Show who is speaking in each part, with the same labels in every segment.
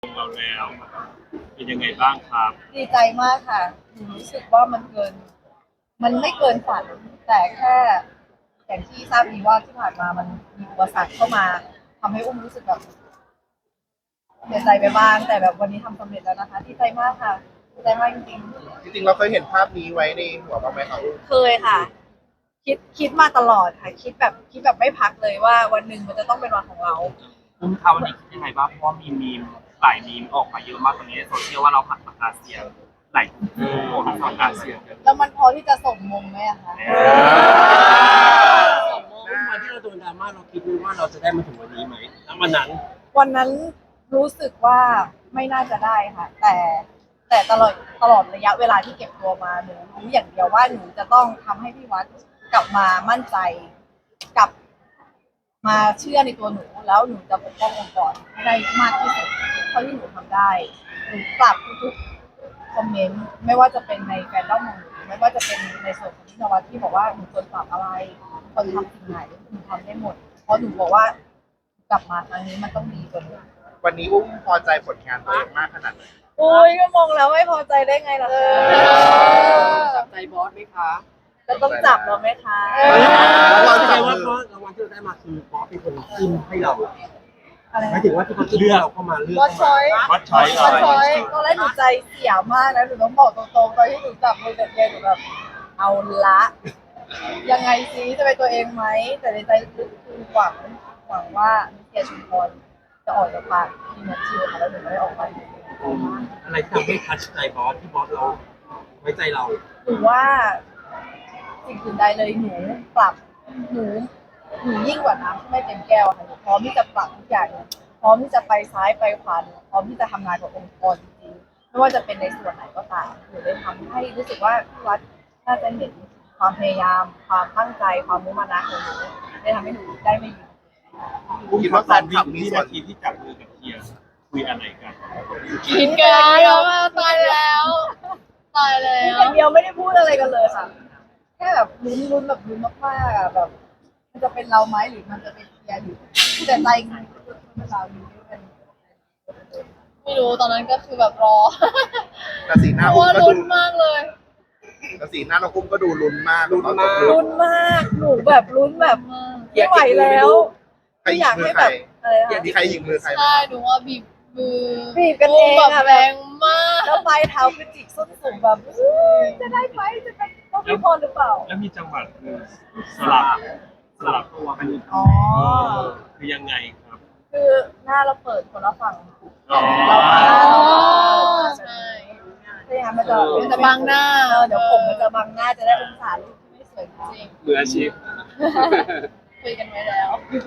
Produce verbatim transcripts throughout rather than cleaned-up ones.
Speaker 1: เราแล้วเป็นยังไงบ้างครับ
Speaker 2: ดีใจมากค่ะหนูรู้สึกว่ามันเกิน มันไม่เกินฝัน แต่แค่อย่างที่ทราบดีว่าที่ผ่านมามันมีอุปสรรคเข้ามาทำให้อุ้มรู้สึกแบบเสียใจไปบ้างแต่แบบวันนี้ทำสำเร็จแล้วนะคะดีใจมากค่ะดีใจมากจริง
Speaker 3: จริงๆเราเคยเห็นภาพนี้ไว้ในหัวบ้างไหมครับ
Speaker 2: ๆเคยค่ะ คิดคิดมาตลอดค่ะ คิดแบบคิดแบบไม่พักเลยว่าวันหนึ่งมันจะต้องเป็นวันของเรา
Speaker 1: อุ้มคะวันนี้คิดยังไงบ้างเพราะว่ามีมีมหลายมีมออกมาเยอะมากตอนนี้ในโซเชียลว่าเราผัดปากกาเซียนหลายคู่ผัดปากกาเซียนกัน
Speaker 2: แล้วมันพอที่จะส่งมงไหมอะคะ
Speaker 4: วันที่เราโดนดราม่าเราคิดว่าเราจะได้มาถึงวันนี้ไหมแล้ววันนั้น
Speaker 2: วันนั้นรู้สึกว่าไม่น่าจะได้ค่ะ แต่แต่ตลอดตลอดระยะเวลาที่เก็บตัวมาหนูรู้อย่างเดียวว่าหนูจะต้องทำให้พี่วัดกลับมามั่นใจกลับมาเชื่อในตัวหนูแล้วหนูจะปกป้ององค์กรให้ได้มากที่สุดเท่าที่หนูทำได้หนูปรับทุกๆคอมเมนต์ไม่ว่าจะเป็นในแฟนด้อมของหนูไม่ว่าจะเป็นในส่วนของพี่นวัดที่บอกว่าหนูควรปรับอะไรควรทำสิ่งไหนหนูทำได้หมดเพราะหนูบอกว่ากลับมาครั้งนี้มันต้องดีกว่านี้
Speaker 3: วันนี้อุ้มพอใจผลงานตัวเองมากขนาดไหน
Speaker 2: โอ้ยก็มองแล้วไม่พอใจได้ไงล่ะคะ
Speaker 4: จับใจบอสไหมคะ
Speaker 2: จะต้องจับเราไหมคะ
Speaker 4: เราใจว่าบอสรางวัลที่เราได้มาคือบอสเป็นคนจิ้มให้เรา
Speaker 2: อะไร
Speaker 4: หมายถึงว่าที่เขาเลือกเราเข้ามาเลือก
Speaker 2: บอสชอย
Speaker 1: วัดช้อย
Speaker 2: บอสชอยตอนแรกหนูใจเสียมากนะหนูต้องบอกตรงๆตอนที่หนูจับมือกับเจนหนูแบบเอาละยังไงซิจะเป็นตัวเองไหมแต่ในใจลึกๆคือหวังหวังว่ามิเกียชุมพรจะออกจากปากที่นัทชิวค่ะแล้วหนูไม่ได้ออกไป
Speaker 4: อะไรที่ทำให้ทัชใจบอสที่บอสเราไว้ใจเรา
Speaker 2: หนูว่าสิ่งอื่นใดเลยหนูปรับหนูหนูยิ่งกว่าน้ำที่ไม่เต็มแก้วค่ะหนูพร้อมที่จะปรับทุกอย่างพร้อมที่จะไปซ้ายไปขวาพร้อมที่จะทำงานกับองค์กรจริงๆไม่ว่าจะเป็นในส่วนไหนก็ตามหนูได้ทำให้รู้สึกว่าพี่วัดน่าจะเห็นความพยายาม ความตั้งใจความมุ่งมั่นของหนูได้ทำให้หนูได้ไม่หยุด
Speaker 3: คิดว่าแฟนคลับมี
Speaker 1: วิ
Speaker 3: ส่วน
Speaker 1: นาทีที่จับมือกับเฮียคุยอะไรกัน
Speaker 2: กินกันเดียว
Speaker 5: ตายแล้วตายแล้
Speaker 2: กิน
Speaker 5: ว
Speaker 2: กันเดียวไม่ได้พูดอะไรกันเลยค่ะแค่แบบลุ้นลุ้นแบบลุ้นมากๆอะแบบมันจะเป็นเราไหมหรือมันจะเป็นเฮียหรือแต่ใจจริงๆคือเป็นเราอยู่ที่เป็น
Speaker 5: ไม่รู้ตอนนั้นก็คือแบบรอ
Speaker 3: แต่สีห
Speaker 5: เพ
Speaker 3: น้า
Speaker 5: ราะ
Speaker 3: อุ้ม
Speaker 5: ว่า
Speaker 3: ก็
Speaker 5: ลุ้
Speaker 3: ดู
Speaker 5: นมากเลย
Speaker 3: แต่สีหน้าเราอุ้มก็ดูลุ้นมากลุ้นมาก
Speaker 2: ลุ้นมากหนูแบบลุ้นแบบไม่ไหวแล้ว
Speaker 3: ใคร
Speaker 2: ไม่
Speaker 3: ห
Speaker 2: อ
Speaker 3: ยิ
Speaker 2: ยาก
Speaker 3: กมื
Speaker 2: ให้
Speaker 3: อใค
Speaker 2: แบ
Speaker 3: ร
Speaker 2: บอะไรนะ
Speaker 3: มีใครหยิกมือใคร
Speaker 5: ใช่หนูว่าบีบมือ
Speaker 2: บีบกันเอง
Speaker 5: แบบ
Speaker 2: อะ
Speaker 5: แรงมาก
Speaker 2: แล้วปลายเท้าคือจิกส้นสูงแบบอุ๊ยจะได้ไหมจะเป็นต้องพี่พรหรือเปล่า
Speaker 1: แล้วมีจังหวะคือสลับสลับตัวกันอีก
Speaker 2: อ๋อ
Speaker 1: คือยังไงครับ
Speaker 2: คือหน้าเราเปิดคนละฝั่ง
Speaker 1: อ๋อ
Speaker 2: เราหน้าเรา
Speaker 5: ใช่
Speaker 2: ใช่ไหมคะมันจะ
Speaker 5: มันจะบังหน้า
Speaker 2: เออเดี๋ยวผมมันจะบังหน้าจะได้องศาลูกที่ไม่สวยงาม
Speaker 5: จริง
Speaker 1: มืออาชีพ
Speaker 5: คุยกันไว้แล้ว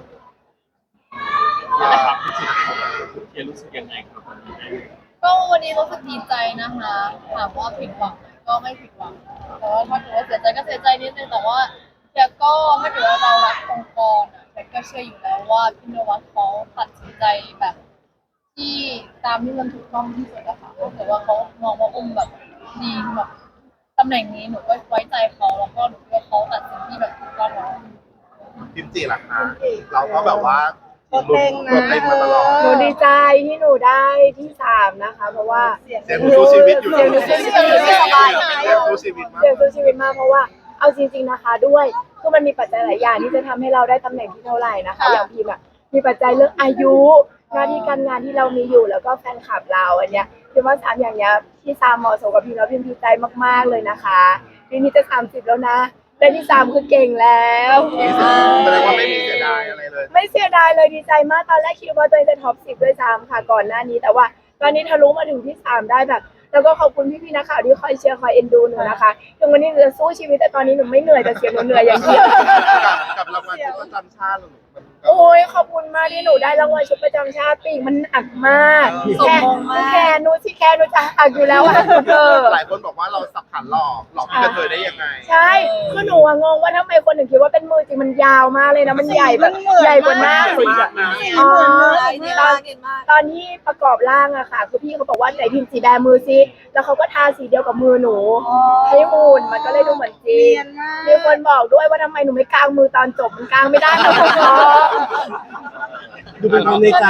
Speaker 1: นะครับรู้สึกเฮียรู้สึกยังไงครับวันนี้ได้
Speaker 5: ก็วันนี้รู้สึกดีใจนะคะถามว่าผิดหวังไหมก็ไม่ผิดหวังแต่ว่าถ้าเกิดว่าเสียใจก็เสียใจนิดนึงแต่ว่าแกก็ถ้าเกิดว่าเรารักองค์กรอ่ะแกก็เชื่ออยู่แล้วว่าพี่นวัดเขาตัดสินใจแบบ ที่ตามที่มันถูกต้องที่สุดอะค่ะถ้าเกิดว่าเขามองว่าอุ้มแบบดีแบบตำแหน่งนี้หนูก็ไว้ใจเขาแล้วก็หนูคิดว่าเขาตัดสินที่แบบถูกต้องแล้ว
Speaker 3: พิมจีล่ะคะเราก็แบบว่าลุ้นตัวเต็งมาตลอด
Speaker 6: หนูดีใจที่หนูได้ที่สามนะคะ เพราะว่า
Speaker 2: เสียง
Speaker 3: เสียงหนูสู้ชีวิตอยู่
Speaker 6: เสียงหนูสู้ชีวิต
Speaker 3: เสียงสู้ชีวิตมาก
Speaker 6: เสียงสู้ชีวิตมากเพราะว่าเอาจริง ๆนะคะด้วยคือมันมีปัจจัยหลายอย่างที่จะทำให้เราได้ตำแหน่งที่เท่าไหร่นะคะอย่างพิมอะมีปัจจัยเรื่องอายุหน้าที่การงานที่เรามีอยู่แล้วก็แฟนคลับเราอันเนี้ยพิมว่าสามอย่างเนี้ยที่สามเหมาะสมกับพิมแล้วพิมดีใจมากๆเลยนะคะปีนี้จะสามสิบแล้วนะได้ที่สามคือเก่งแล้ว
Speaker 3: แสดงว่าไม่มีเสียดายอะไรเลย
Speaker 6: ไม่เสียดายเลยดีใจมากตอนแรกคิดว่าตัวเองจะท็อปสิบด้วยซ้ำค่ะก่อนหน้านี้แต่ว่าตอนนี้ทะลุมาถึงที่สามได้แบบ แล้วก็ขอบคุณพี่ๆนักข่าวที่คอยเชียร์คอยเอ็นดูหนูนะคะถึงวันนี้หนูจะสู้ชีวิตแต่ตอนนี้หนูไม่เหนื่อยแต่เสียงหนูเหนื่อยอย่างเดียว
Speaker 3: กับรางวัลชุดประจำชาติหรือมัน
Speaker 6: โอ้ยขอบคุณมากที่หนูได้รางวัลชุดประจำชาติปีกมันหนักมาก
Speaker 2: สม
Speaker 6: แค่
Speaker 2: มงมาก
Speaker 6: แค่หนูที่แค่หนูจะหักอยู่แล้วอะเธอ
Speaker 3: หลายคนบอกว่าเราสับขันหลอกหลอกพี่กระเทยได้ยังไง
Speaker 6: ใช่คือหนูอะงงว่าทำไมคนถึงคิดว่าเป็นมือจริงมันยาวมากเลยนะมันใหญ่แบบใหญ่กว่าหน้า
Speaker 3: สี่
Speaker 6: สิ
Speaker 3: หมื่นนะ
Speaker 6: อ๋อ
Speaker 2: ดี
Speaker 6: ต
Speaker 2: มา
Speaker 6: อก น
Speaker 2: ดีมาก
Speaker 6: ตอนที่ประกอบร่างอะค่ะคือพี่เขาบอกว่าไหนพิมพ์สีแบมือซิแล้วเขาก็ทาสีเดียวกับมือหนูให้หุ่นมันก็เลยดูเหมือนจริงมีคนบอกด้วยว่าทำไมหนูไม่กางมือตอนจบมันกางไม่ได้นะคุณพ่อ
Speaker 4: ดูเป็นความในใจ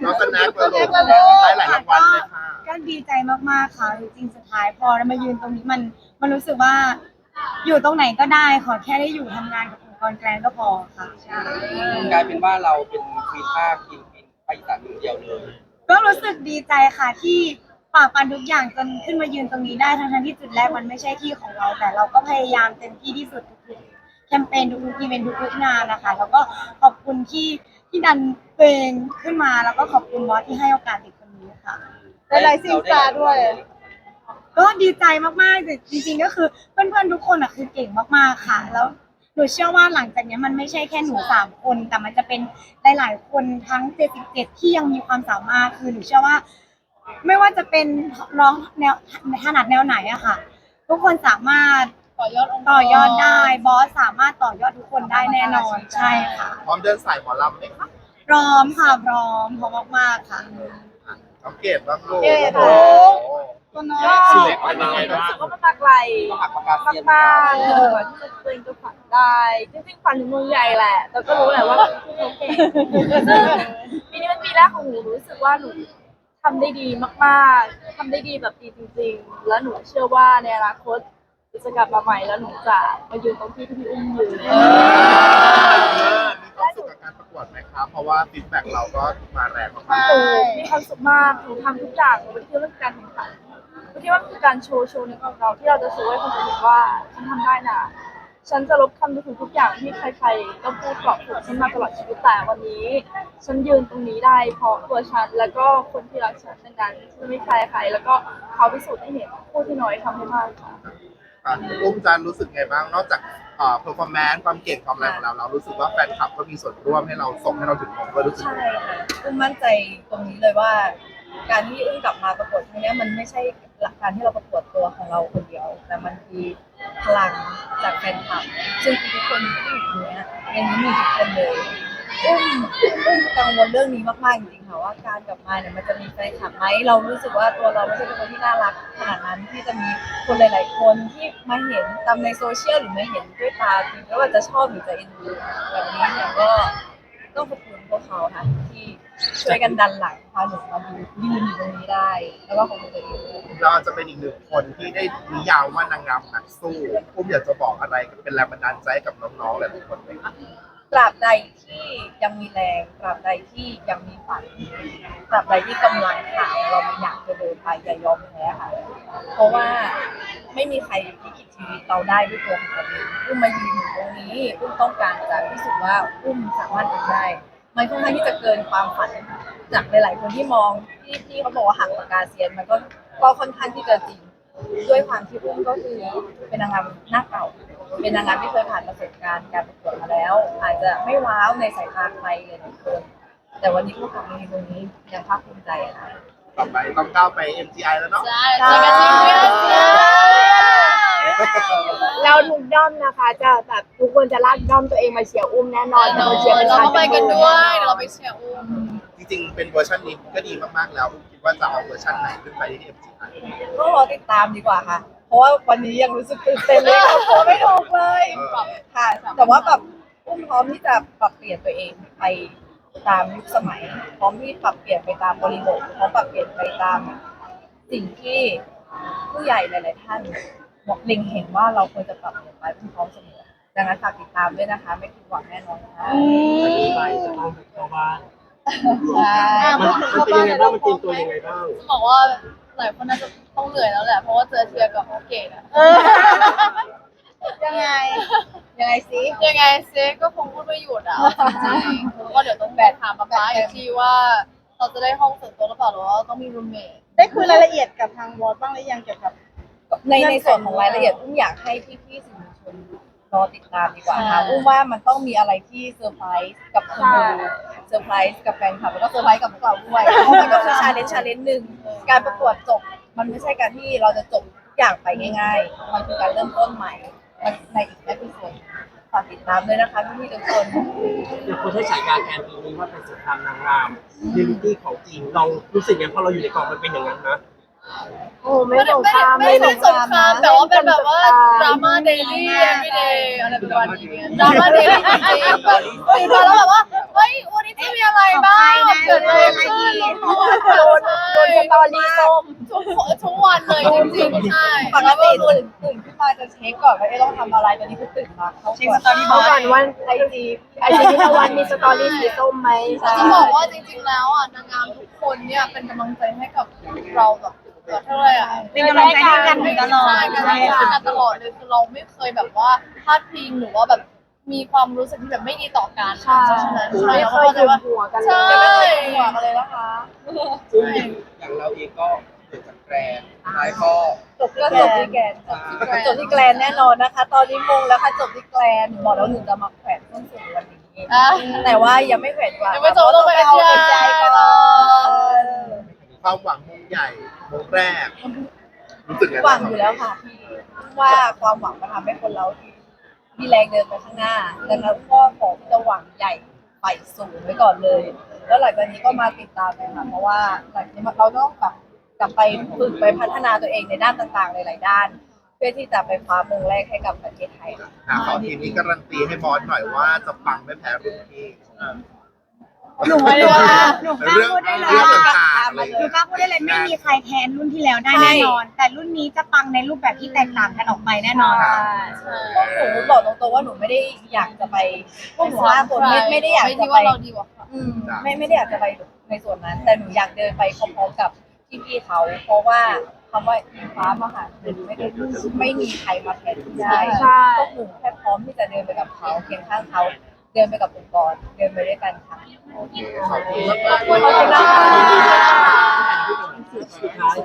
Speaker 3: น้องสแน็คมาลูก
Speaker 2: มาลูก
Speaker 3: ได้หลายรางวัลเลยค่ะ
Speaker 7: ก็ดีใจมากๆค่ะจริงๆสุดท้ายพอเรามายืนตรงนี้มันมันรู้สึกว่าอยู่ตรงไหนก็ได้ขอแค่ได้อยู่ทำงานกับองค์กรแกรนก็พอค่ะใช่
Speaker 8: กลายเป็นว่าเราเป็นควีนภาคกินกินไปอีสานเดียวเลย
Speaker 7: ก็รู้สึกดีใจค่ะที่ฝ่าฟันทุกอย่างจนขึ้นมายืนตรงนี้ได้ทั้งๆที่จุดแรกมันไม่ใช่ที่ของเรา แต่เราก็พยายามเต็มที่ที่สุดทุกๆแคมเปญทุกๆอีเวนต์ทุกๆงานนะคะแล้วก็ขอบคุณที่ที่ดันตัวเองขึ้นมาแล้วก็ขอบคุณบอสที่ให้โอกาสเด็กคนนี้ค่ะ
Speaker 2: ได้ไลซิ่งสตาร์ด้วย
Speaker 7: ก็ดีใจมากๆแต่จริงๆก็คือเพื่อนๆทุกคนอ่ะคือเก่งมากๆค่ะ แล้วหนูเชื่อว่าหลังจากนี้มันไม่ใช่แค่หนูสามคน แต่มันจะเป็นหลายๆคนทั้งเจ็ดสิบเจ็ดที่ยังมีความสามารถคือหนูเชื่อว่า ไม่ว่าจะเป็นร้องแนวถนัดแนวไหนอะค่ะ ทุกคนสามารถ
Speaker 5: ต่อยอดองค์กร
Speaker 7: ต่อยอดได้บอสสามารถต่อยอดทุกคนได้แน่นอนใช่ค่ะ
Speaker 3: พร้อมเดินสายหมอลำไหมคะ
Speaker 7: พร้อมค่ะพร้อมพร้อมมากๆค่ะ
Speaker 3: น้องเกดบ้างลูก
Speaker 2: เกด
Speaker 3: โอ้
Speaker 2: ค่ะ
Speaker 3: โห
Speaker 2: ตัวน้อย
Speaker 8: ชีวิตเป็นยังไงบ้าง
Speaker 6: ก็มาไกล
Speaker 8: ต้องหักปากกาเซียน
Speaker 6: มากๆเลยว่าที่จะตัวเองจะฝันได้จริงๆฝันถึงเมืองใหญ่แหละแต่ก็รู้แหละว่าคือโอเคซึ่งปีนี้เป็นปีแรกของหนูรู้สึกว่าหนูทำได้ดีมากๆทำได้ดีแบบดีจริงๆ แล้วหนูเชื่อว่าในอนาคตหนูจะกลับมาใหม่แล้วหนูจะมายืนตรงที่ที่พี่อุ้มยืน
Speaker 3: เออมีความสุขกับการประกวดไหมครับ เพราะว่าฟีดแบ็กเราก็มาแรงมาก
Speaker 7: ใช่
Speaker 6: มีความสุขมาก หนูทำทุกอย่างหนูไม่ได้คิดว่าเป็นการแข่งขันหนูคิดว่ามันคือการโชว์โชว์ในของเราที่เราจะโชว์ให้คนอื่นเห็นว่าฉันทำได้นะ ฉันจะลบคำดูถูกทุกอย่างที่ใครๆก็พูดกรอบถูกฉันมาตลอดชีวิตแต่วันนี้ ฉันยืนตรงนี้ได้เพราะตัวฉันแล้วก็คนที่รักฉันดังนั้นฉันไม่ใครใครแล้วก็เขาพิสูจน์ให้เห็นผู้ที่น้อยทำให้มากค่ะ
Speaker 3: ๆอ่ะอุ้มจันรู้สึกไงบ้าง นอกจากเอ่อเพอร์ฟอร์แมนซ์ความเก่งความอะไรของเรา เรารู้สึกว่าแฟนคลับก็มีส่วนร่วมให้เราส่งให้เราถึงมงก็รู้สึก
Speaker 2: ใช่ค่ะอุ้มมั่นใจตรงนี้เลยว่า การที่อุ้มกลับมาประกวดครั้งเนี้ยมันไม่ใช่หลักการที่เราประกวดตัวของเราคนเดียว แต่มันคือพลังจากแฟนคลับ ซึ่งทุกคนที่อยู่ตรงเนี้ยในนี้มีทุกคนเลยอุ้มอุ้มกังวลเรื่องนี้มากๆจริงๆค่ะว่าการกลับมาเนี่ยมันจะมีแฟนคลับไหมเรารู้สึกว่าตัวเราไม่ใช่เป็นคนที่น่ารักขนาดนั้นที่จะมีคนหลายๆคนที่มาเห็นตามในโซเชียลหรือมาเห็นด้วยตาจริงแล้วว่าจะชอบหรือจะเอ็นดูแบบนี้เนี่ยก็ต้องขอบคุณพวกเขาค่ะที่ช่วยกันดันหลังพาหนูมายืนอยู่ตรงนี้ได้ แล้วก็ขอบคุณตัวเองด้วย
Speaker 3: เราจะเป็นอีกหนึ่งคนที่ได้นิยามว่านางงามนักสู้อุ้มอยากจะบอกอะไรเป็นแรงบันดาลใจให้กับน้องๆหลายๆคนไหมครับ
Speaker 2: ตราบใดที่ยังมีแรงตราบใดที่ยังมีฝันตราบใดที่กำลังขาเราไม่อยากจะเดินไปอย่ายอมแพ้ค่ะ เพราะว่าไม่มีใครที่คิดชีวิตเราได้ด้วยตัวของตัวเองอุ้มมายืนอยู่ตรงนี้อุ้มต้องการจะพิสูจน์ว่าอุ้มสามารถทำได้ มันค่อนข้างที่จะเกินความฝันจากหลายๆคนที่มองที่ที่เขาบอกว่าหักปากกาเซียนมันก็ก็ค่อนข้างที่จะจริง ด้วยความที่อุ้มก็คือเป็นนางงามหน้าเก่า เป็นนางงามที่เคยผ่านประสบการณ์การประกวดมาแล้ว อาจจะไม่ว้าวในสายตาใครเลยทุกคนแต่วันนี้พวกเขามีตรงนี้ยังภาคภูมิใจค่ะ
Speaker 3: ต่อไปต้องก้าวไป เอ็ม จี ไอ แล้วเนาะ
Speaker 5: ใช่เจอกันที่เพื่อนเสีย
Speaker 6: เราทุกด้อมนะคะ จะแบบทุกคนจะลากด้อมตัวเองมาเชียร์อุ้มแน่นอน
Speaker 5: เรา
Speaker 6: จะมาเชียร์เป็นชา
Speaker 5: ก็ไปกันด้วยเดี๋ยวเราไป
Speaker 6: ย
Speaker 5: เชียร์อุ้ม
Speaker 3: จริงๆ เป็นเวอร์ชันนี้ก็ดีมากๆ แล้วคิดว่าจะเอาเวอร์ชันไหนขึ้นไปที่ เอ็ม จี ไอ
Speaker 2: ก็รอติดตามดีกว่าค่ะ เพราะว่าวันนี้ยังรู้สึกตื่นเต้นเลยค่ะโผไม่ถูกเลย
Speaker 3: เออ
Speaker 2: ค่ะ แต่ว่าแบบอุ้มพร้อมที่จะปรับเปลี่ยนตัวเองไปตามยุคสมัย พร้อมที่ปรับเปลี่ยนไปตามบริบทพร้อมปรับเปลี่ยนไปตามสิ่งที่ผู้ใหญ่หลาย ๆ ท่านบอกเล็งเห็นว่าเราควรจะปรับเปลี่ยนไปอุ้มพร้อมเสมอดังนั้นฝากติดตามด้วยนะคะ ไม่ผิดหวังแน่นอนค่ะ
Speaker 4: จะมีไปจะต้องเข้าบ้าน
Speaker 2: ใช่
Speaker 4: มันมันเป็นยังไงบ้างมันเตรียมตัวยังไงบ้าง
Speaker 5: จะบอกว่าหลายคนน่าจะต้องเหนื่อยแล้วแหละเพราะว่าเจอเทียกับโอเกตอะ
Speaker 2: ยังไง ยังไงซิ
Speaker 5: ยังไงเซก็คงพูดไม่หยุดอ่ะจริงๆก็เดี๋ยวต้องแบถามป๊าป๊าอีกทีว่าเราจะได้ห้องส่วนตัวหรือเปล่าหรือว่าต้องมีรูมเมท
Speaker 7: ได้คุยรายละเอียดกับทางบอสบ้างหรือยังเกี่ยวกับ
Speaker 2: ในในส่วนของรายละเอียดอุ้มอยากให้พี่ๆสื่อมวลชนรอติดตามดีกว่าค่ะอุ้มว่ามันต้องมีอะไรที่เซอร์ไพรส์กับคนดูเซอร์ไพรส์กับแฟนคลับแล้วก็เซอร์ไพรส์กับพวกเราด้วยเพราะมันก็คือชาเลนจ์ชาเลนจ์หนึ่งการประกวดจบ มันไม่ใช่การที่เราจะจบทุกอย่างไปง่ายๆ มันคือการเริ่มต้นใหม่ในอีกแอพิโซดฝากติดตามด้วยนะคะพี่ๆทุกคน
Speaker 4: อย่างคนใช้ฉายาแทนปีนี้ว่าเป็นสงครามนางงามเรียลิตี้ของจริงเรารู้สึกยังพอเราอยู่ในกองมันเป็นอย่างนั้นนะ
Speaker 6: โอ้ไม่
Speaker 5: ไม่
Speaker 6: ส
Speaker 5: ได้
Speaker 6: ง
Speaker 5: ไม่
Speaker 6: คราม
Speaker 5: ไม่ได้สงครามแต่ว่าเป็นแบบว่าดราม่าเดลี่ everyday อะไรประมาณนี้ดราม่าเดลี่จริงๆแบบตื่นมาแล้วแบบว่าเฮ้ยวันนี้จะมีอะไรบ้างเกิดอะไรขึ้น
Speaker 6: โดนโดนสตอรี่ส้ม
Speaker 5: ทุกทุกวันเลยจริงๆใช่
Speaker 2: ปกติตื่นตื่นขึ้นมาจะเช็คก่อนว่าเอ๊ะต้องทำอะไรตอนนี้คือตื่นมาเขา
Speaker 7: เช็คสตอรี่บ
Speaker 6: เขา
Speaker 7: อ
Speaker 6: ก่อนว่าไอจีไอจีพิธวันมีสตอรี่สีส้มไหม
Speaker 5: จะบอกว่าจริงๆแล้วอ่ะนางงามทุกคนเนี่ยเป็นกำลังใจให้กับเราแบบเท่าไหร่อ่ะ
Speaker 7: เป็นกำลังใจให้กันตลอด
Speaker 5: ใช่เป็นกำลังใจให้กันตลอดเลยคือเราไม่เคยแบบว่าพลาดพิงหรือว่าแบบมีความรู้สึกที่แบบไม่ดีต่อกัน
Speaker 6: ใช่
Speaker 5: เพราะฉะนั้น
Speaker 6: ไม่
Speaker 5: เรา
Speaker 6: เค
Speaker 5: เข้าย ใจ
Speaker 6: ดื่ม
Speaker 5: ว่า
Speaker 6: หัวกันเล
Speaker 5: ใช่
Speaker 6: ย
Speaker 2: ไม่เคยหัวกันเลยนะคะ
Speaker 8: ซึ่งอย่างเราเองก็เกิดจากแกรนด์ท้ายก็
Speaker 2: จบก็จบที่แกรนจบที่แกรนแน่นอนนะคะ ตอนนี้มงแล้วค่ะจบที่แกรนบอกแล้วหนูจะมาแขวนส้นสูงวันนี้
Speaker 5: อ่ะ
Speaker 2: แต่ว่ายังไม่แขวนกว่า
Speaker 5: ยังไม่จบต้องไป
Speaker 2: เอา
Speaker 5: เชียร์
Speaker 2: ใจก่อน
Speaker 3: ความหวังมงใหญ่มงแรก รู้สึกไง
Speaker 2: หวั
Speaker 3: บ้าง
Speaker 2: อยู่แล้วค่ะว่าความหวังมันทำให้คนเรามีแรงเดินไปข้างหน้าดังนั้นก็ขอที่จะหวังใหญ่ไปสูงไว้ก่อนเลย แล้วหลังจากนี้ก็มาติดตามกันค่ะเพราะว่าหลังจากนี้เราต้องแบบกลับไปฝึกไปพัฒนาตัวเองในด้านต่างๆหลายๆด้าน เพื่อที่จะไปคว้ามงแรกให้กับประเทศไทยค่ะ
Speaker 3: อ่ะขอทีมนี้การันตีให้บอสหน่อยว่าจะปังไม่แพ้รุ่นพี่
Speaker 7: หนูไม่รู้ว่าหนูกล้า
Speaker 3: เรื่อง
Speaker 7: พูดได้เลย
Speaker 3: เรื่อง
Speaker 7: ว่า
Speaker 3: ต่างๆอะไร
Speaker 7: หนูกล้าพูดได้เลยไม่มีใครแทนรุ่นที่แล้วได้แน่นอน แต่รุ่นนี้จะปังในรูปแบบที่แตกต่างกันออกไปแน่นอนค่ะ
Speaker 2: พวกหนูบอกตรงๆว่าหนูไม่ได้อยากจะไปพวกหนูห้าคนไม่ไม่ได้อยาก
Speaker 5: ไม่
Speaker 2: จะ
Speaker 5: ที่
Speaker 2: ไป
Speaker 5: ว่าเราดีกว่าค่ะ
Speaker 2: อืมไม่ไม่ได้อยากจะไปในส่วนนั้น แต่หนูอยากเดินไปพร้อมๆกับพี่ๆเขา เพราะว่าคำว่าอิงฟ้ามหาชนไม่ได้ไม่มีใครมาแทนที่ได้
Speaker 6: ใช่
Speaker 2: พวกหนูแค่พร้อมที่จะเดินไปกับเขาเคียงข้างเขาเดินไปกับองค์กรเดินไปด้วยกันค่ะ
Speaker 3: โอเคขอบคุณมาก
Speaker 2: ขอบคุณนะคะ
Speaker 4: สุดท้าย